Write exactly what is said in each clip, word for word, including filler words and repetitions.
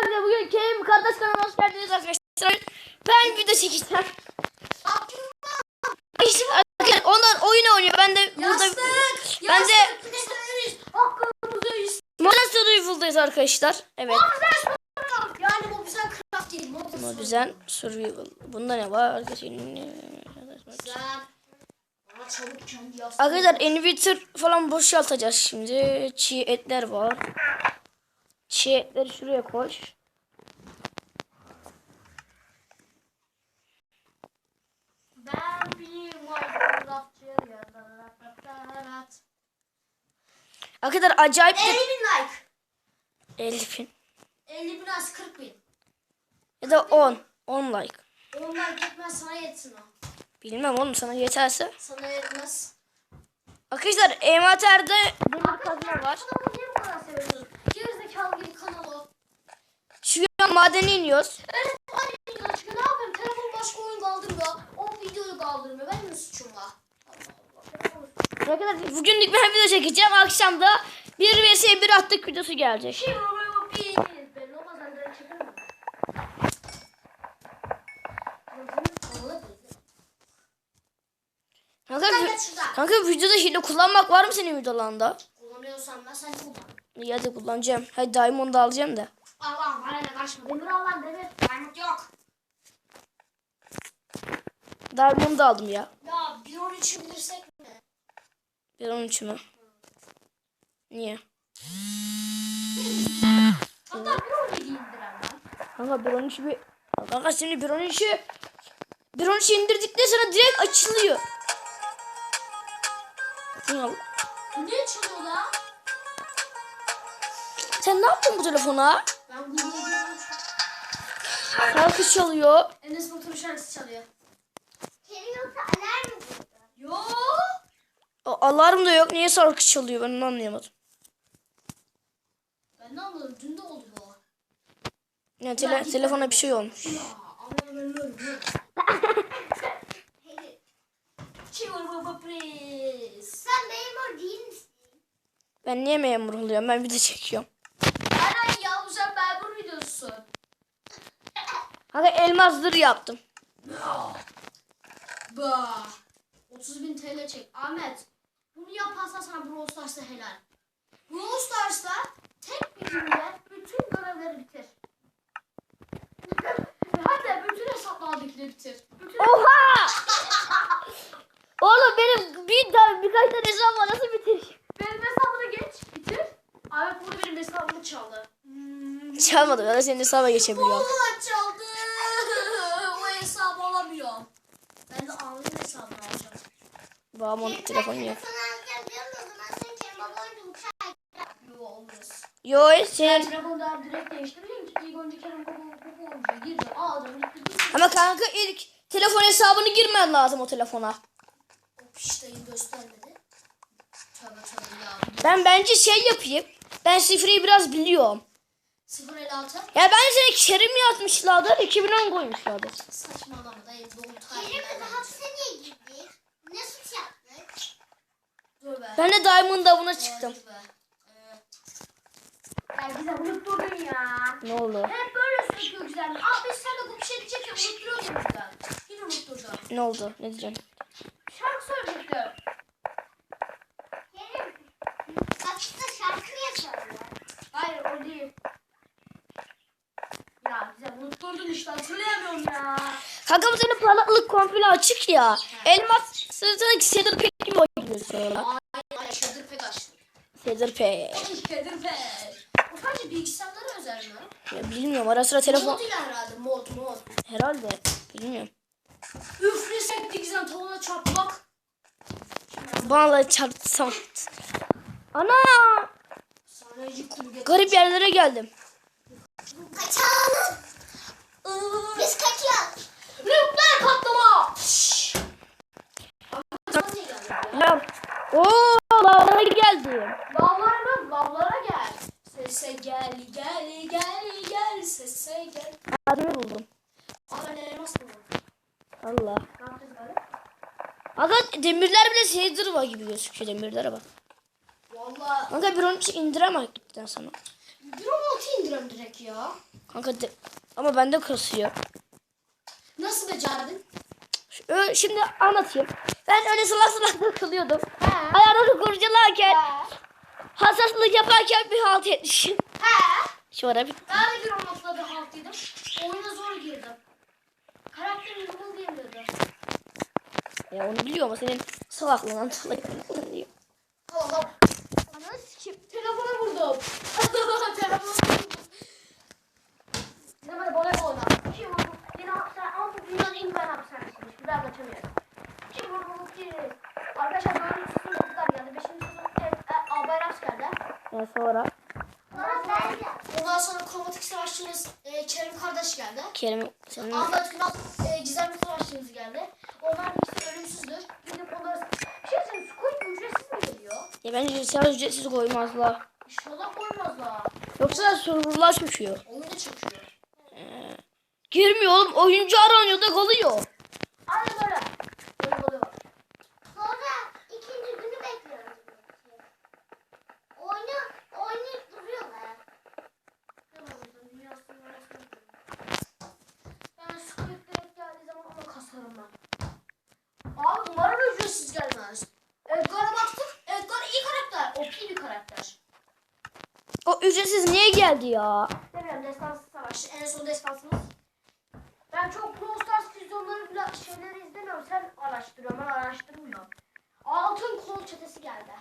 Arkadaşlar bugün Kerim kardeş kanalıma hoş geldiniz arkadaşlar. Ben video çekeceğim. İşte arkadaşlar onlar oyun oynuyor. Ben de burada Yastık, ben de Modern Survival'dayız arkadaşlar. Evet. Yani bu güzel craft değil. Modern Survival. Bunda ne var arkadaşlar? Arkadaşlar inverter falan boşaltacağız şimdi. Çiğ etler var. Çiğ etleri şuraya koy. Ben bir Minecraftçıyım. Arkadaşlar acayip elli bin like. elli bin. elli bin az kırk bin. Ya da on. on like. on like yetmez, sana yetsin o. Bilmem oğlum, sana yeterse. Sana yetmez. Arkadaşlar envanterde demir kazma var. Kanalı niye bu kadar seviyorsun? Gerizekalı gibi kanalı. Şu an madene iniyoruz. Evet, aynı videoda çıkıyor. Ne yapayım? Telefon başka oyun kaldırmıyor. O videoyu kaldırmıyor. Benim suçum var. Arkadaşlar bugünlük ben video çekeceğim. Akşam da bir vs bir attık videosu gelecek. Kim o bir belli olmaz, ben de çekerim. Kanka, kanka videoda hile kullanmak var mı senin videolarında? Kullanıyorsan ben sen kullan. İyi hadi kullanacağım. Hadi Diamond'u alacağım da. Allah'ım bana ne kaçma. Demir al lan demir. Diamond yok. Diamond'u aldım ya. Ya bir on üçü bilirsek mi? bir on üç mü? Niye? Hatta bir on yedi indiren lan. Kanka bir on üçü bir... Kanka şimdi bir on üçü... bir on üçü indirdikten sonra direkt açılıyor. Ne al? Ne çalıyor lan? Sen ne yaptın bu telefona? Ben bunu biliyorum. Şarkı çalıyor. Enes Batur'un şarkısı çalıyor. Kerim yoksa alarm mı kurdu? Yo. O alarm da yok. Niye şarkı çalıyor? Ben onu anlayamadım. Ben ne anladım? Dün de oldu bu. Yani tele telefona bir şey olmuş. Ya ama ben ölüyorum. Çiğur baba please. Sen memur değil misin? Ben niye memur oluyorum? Ben video çekiyorum. Aynen ya, bu sen memur videosun. Kanka elmasları yaptım. Bah. otuz bin T L çek. Ahmet. Bunu yaparsan sana Brawl Stars'ta helal. Brawl Stars'ta tek bir günde bütün görevleri bitir. Hatta bütün hesaplardakileri bitir. Bütün Oha! Oğlum benim bir tane birkaç tane hesabım var, nasıl bitir? benim hesabına geç. Bitir. Ahmet burada benim hesabımı çaldı. Hmm. Çalmadım, ya da senin hesaba geçebiliyorum. Vallahi çaldı. O hesabı alamıyorum. Ben de Ahmet'in hesabını alacağım. Babamın telefonu yok. Sana alacağım diyorum da o zaman sen Kerim baba önce uçağa Yo, olmaz. Yo Ben senin... telefondan direkt değiştireceğim ki ilk önce Kerem Baba Baba olacak. Gireceğim, alacağım. Ama kanka ilk telefon hesabını girmen lazım o telefona. O piştayı göstermedi. Tövbe tövbe ya. Ben bence şey yapayım. Ben şifreyi biraz biliyorum. sıfır elli altı. Ya ben seni Kerim yazmışlardır, iki bin on koymuşlardır. Saçmalama dayı, doğum Kerim tarihi. kızı hapse niye girdi? Ne suç yaptık? Dur be. Ben de Diamond avına çıktım. Dur be. Ee, Ya bize unutturdun ya. Ne oldu? Hep böyle söylüyor güzel. Aa biz seninle bu bir şey diyecek ya, unutturuyor ya bizden. Yine unutturdun. Ne oldu? Ne diyeceğim? Şarkı söyleyecektim. Kerim hapiste şarkı niye söylüyor? Hayır, o değil. Ya bize unutturdun işte, hatırlayamıyorum ya. Kanka bu senin parlaklık komple açık ya. Elmas sırtındaki Cedar Pek gibi oynuyor sonra. Ay ay, Şedir pek açtı. Cedar Pek. Şedir pek. O sadece bilgisayarlara özel mi? Ya bilmiyorum, ara sıra telefon... Mod ile herhalde, mod mod. Herhalde. Bilmiyorum. Üflesek dikizden tavuğuna çarpmak. Bana çarpsam. Ana! Sanayicı kum getir. Garip yerlere geldim. Kaçalım. Biz kaçıyoruz. Nükleer patlama. Ya. Ooo lavlara geldim. Lavlara mı? Lavlara gel. Sese gel gel gel gel sese gel. Adını buldum. Aa, ben elmas buldum. Allah. Ne yapacağız böyle? Aga demirler bile Cedar var gibi gözüküyor, demirlere bak. Valla Kanka bir on üç indiremem gitten sana. bir on altı indirem giriyorum direkt ya. Kanka de, ama bende kasıyor. Nasıl becerdin? Ö- Şimdi anlatayım. Ben öyle salak salak takılıyordum. He. Ayarları kurcalarken, He. hassaslık yaparken bir halt etmişim. He. Şu ara bir... Ben de bir o noktada bir haltıydım. Oyuna zor girdim. Karakterim yumul diyemiyordu. Ya onu biliyor ama senin salaklığından dolayı diyor. Allah. Ana sikim. Telefona vurdum. Telefona vurdum. Bizim hadi bana oyna. Kim vurdu? Yine hapishane. Ama bu dünyanın en güzel hapishanesiymiş. Bir daha kaçamıyorum. Kim vurdu? Kim? Arkadaşlar dördüncü sınıf çocuklar geldi. Beşinci sınıf evet, e, albay askerler. Ya sonra Sonra ben de. Ondan sonra kromatik savaşçımız e, Kerim kardeş geldi. Kerim senin... Ahmet Günal e, gizemli savaşçımız geldi. Onlar ikisi ölümsüzdür. Gidip onları... Bir şey söyleyeyim. Squid ücretsiz mi geliyor? Ya bence sen ücretsiz koymazlar. İnşallah koymazlar. Yoksa serverlar çöküyor. Oyunda çöküyor. Girmiyor oğlum. Oyuncu aranıyor da kalıyor. Aynen böyle. Böyle oluyor. Sonra ikinci günü bekliyoruz. Oyunu oynayıp duruyorlar. Ben Squid direkt geldiği zaman ona kasarım ben. Abi umarım ücretsiz gelmez. Edgar'a baktık. Edgar iyi karakter. O P bir karakter. O ücretsiz niye geldi ya? Demiyorum destansı savaşçı. En son destansımız. Ben çok Brawl Stars füzyonları bile şeyleri izlemiyorum. Sen araştırıyorsun. Ben araştırmıyorum. Altın kol çetesi geldi.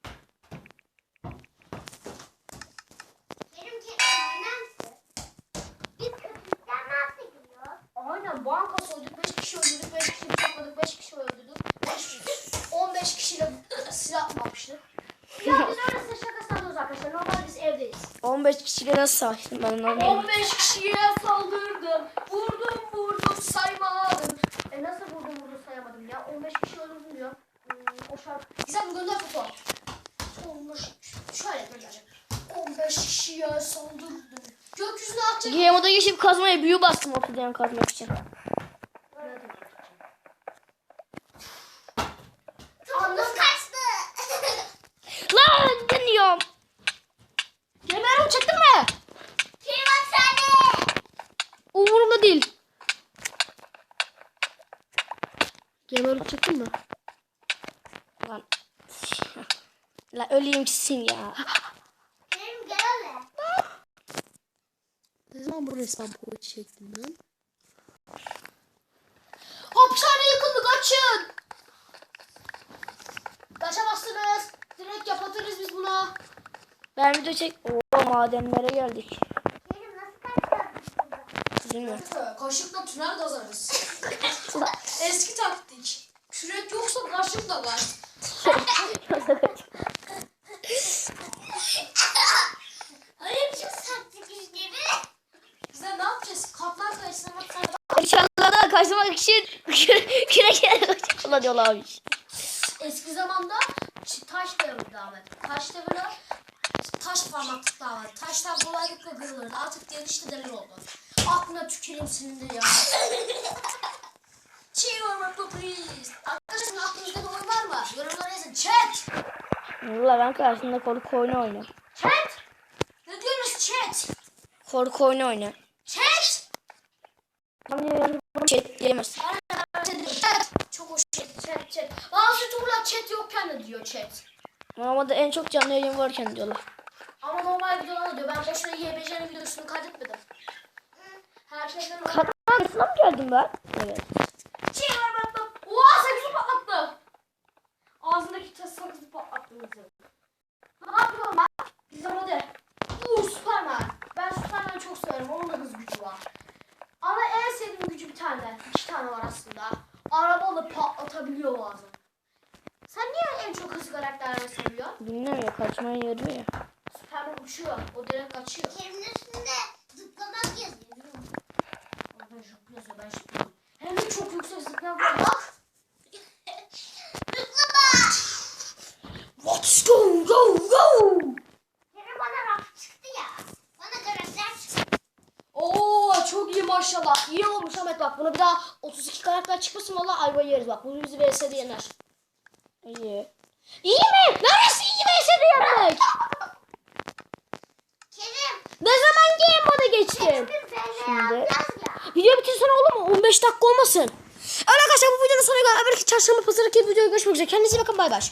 Benimki önemli. Biz kötülükten nasıl gülüyor? Aynen banka soyduk. beş kişi öldürdük. beş kişi bıçakladık. beş kişi öldürdük. beş, on beş kişiyle silah atmamıştık. Ya biz öyle size şaka sanıyoruz arkadaşlar. Normal biz evdeyiz. on beş kişiyle nasıl savaştın ben onu anlamadım. on beş kişiye saldırdım. Vurdum vurdum saymadım. E nasıl vurdum vurdum sayamadım ya. on beş kişi öldürdüm diyor. Hmm, o şarkı. Güzel bir gönder foto. on beş şöyle göndereceğim. on beş kişiye saldırdım. Gökyüzüne atacak. Game moda geçip kazmaya büyü bastım ortadan kazmak için. Topumuz kaçtı. Lan deniyorum. Gemerim çıktı mı? Kim var sende? Umurumda değil. Gemerim çıktın mı? Lan. Lan öleyim gitsin ya. Benim gel hele. Ne zaman bu resmen boyu çektim lan? Hapishane yıkıldı kaçın. Kaçamazsınız. Direkt yapatırız biz buna. Ben video çek... Oo madenlere geldik. Benim nasıl kaçtı? Bilmiyorum. Kaşıkla tünel kazarız. Eski taktik. Kürek yoksa kaşıkla var. Hayır çok sattık işte mi? Bize ne yapacağız? Kaplan kayısına bak sen. İnşallah kaçmak için kürekere kullanıyorlarmış. Eski zamanda ç- taş devriydi Ahmet. Taş devri taş parmaklıklar var. Taşlar kolaylıkla kırılırdı. Artık genişte demir oldu. Aklına tüküreyim senin de ya. Cheer up please. Arkadaşlar aklınızda bir oyun var mı? Yorumlara yazın. Chat. Valla ben karşısında korku oyunu oynuyorum. Chat. Ne diyorsunuz chat? Korku oyunu oynuyorum. Chat. Chat diyemezsin. Chat. Çok hoş chat. Chat chat. Bazı turlar chat yokken de diyor chat. Ama da en çok canlı yayın varken diyorlar. Ama normal videolar diyor. Ben boşuna Y B C'nin videosunu kaydetmedim. Her şeyden o. Kadınlar mı geldim ben? Evet. Şey var ben bak. Oha sakızı patlattı. Ağzındaki tas sakızı patlattı bizi. Ne yapıyorum ben? Bizim hadi. Uuu Superman. Ben Superman'ı çok severim. Onun da hız gücü var. Ama en sevdiğim gücü bir tane. İki tane var aslında. Arabalı patlatabiliyor bazen. Sen niye en çok hızlı karakterleri seviyorsun? Bilmiyorum ya kaçmaya yarıyor ya. Superman uçuyor. O direkt kaçıyor. Kerimin üstünde zıplamak yazıyor. Ben çok yazıyor. Ben zıplıyorum. Hem de çok yüksek zıplayan var. Bak. Zıplama. Let's go go go. Kerim bana raf çıktı ya. Bana karakter çıktı. Oo çok iyi maşallah. İyi olmuş Ahmet bak. Buna bir daha otuz iki karakter çıkmasın valla ayvayı yeriz bak. Bunu bizi V S'de yener. İyi. İyi mi? Neresi iyi V S'de yemek? Kerim. Ne zaman game geçtim. Bir F L Şimdi. alacağız ya. Video bitir sonra olur mu? on beş dakika olmasın. Arkadaşlar bu videonun sonuna kadar. Belki çarşamba pazarı gibi videoya görüşmek üzere. Kendinize iyi bakın, bay bay.